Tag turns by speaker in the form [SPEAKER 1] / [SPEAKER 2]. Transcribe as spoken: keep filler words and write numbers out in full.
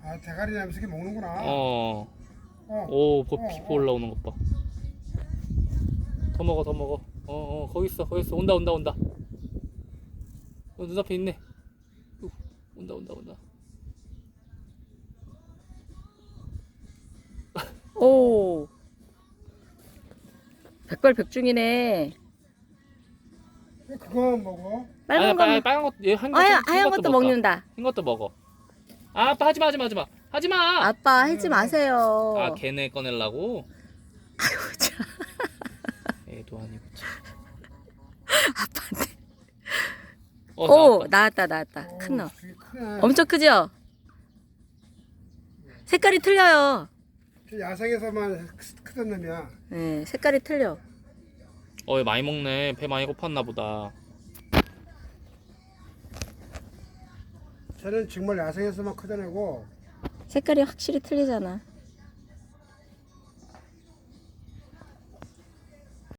[SPEAKER 1] 아, 대가리 냄새게 먹는구나.
[SPEAKER 2] 어.
[SPEAKER 1] 어.
[SPEAKER 2] 오, 보,
[SPEAKER 1] 어,
[SPEAKER 2] 피부
[SPEAKER 1] 어.
[SPEAKER 2] 올라오는 것 봐. 더 먹어, 더 먹어. 어, 어, 거기 있어, 거기 있어. 온다, 온다, 온다. 어, 눈앞에 있네. 우, 온다, 온다, 온다.
[SPEAKER 3] 오. 백발백중이네.
[SPEAKER 1] 왜 그거 먹어?
[SPEAKER 3] 빨간
[SPEAKER 2] 아니야, 빨,
[SPEAKER 3] 거는
[SPEAKER 2] 빨간 것, 얘한 것,
[SPEAKER 3] 하얀,
[SPEAKER 2] 흰
[SPEAKER 3] 하얀
[SPEAKER 2] 것도
[SPEAKER 3] 것도
[SPEAKER 2] 먹자.
[SPEAKER 3] 먹는다.
[SPEAKER 2] 흰 것도 먹어. 아, 아빠 하지 마, 하지 마, 하지 마. 하지 마!
[SPEAKER 3] 아빠 하지 마세요.
[SPEAKER 2] 아, 걔네 꺼내려고?
[SPEAKER 3] 아이고 참.
[SPEAKER 2] 애도 아니고 참.
[SPEAKER 3] 아빠한테.
[SPEAKER 2] 어,
[SPEAKER 3] 오
[SPEAKER 2] 나왔다.
[SPEAKER 3] 나왔다 나왔다.
[SPEAKER 1] 어,
[SPEAKER 3] 큰 놈.
[SPEAKER 1] 되게 크네.
[SPEAKER 3] 엄청 크죠? 색깔이 틀려요.
[SPEAKER 1] 저 야생에서만 크- 크던 놈이야.
[SPEAKER 3] 네, 색깔이 틀려.
[SPEAKER 2] 어, 얘 많이 먹네. 배 많이 고팠나 보다.
[SPEAKER 1] 쟤는 정말 야생에서만 크던 애고
[SPEAKER 3] 색깔이 확실히 틀리잖아.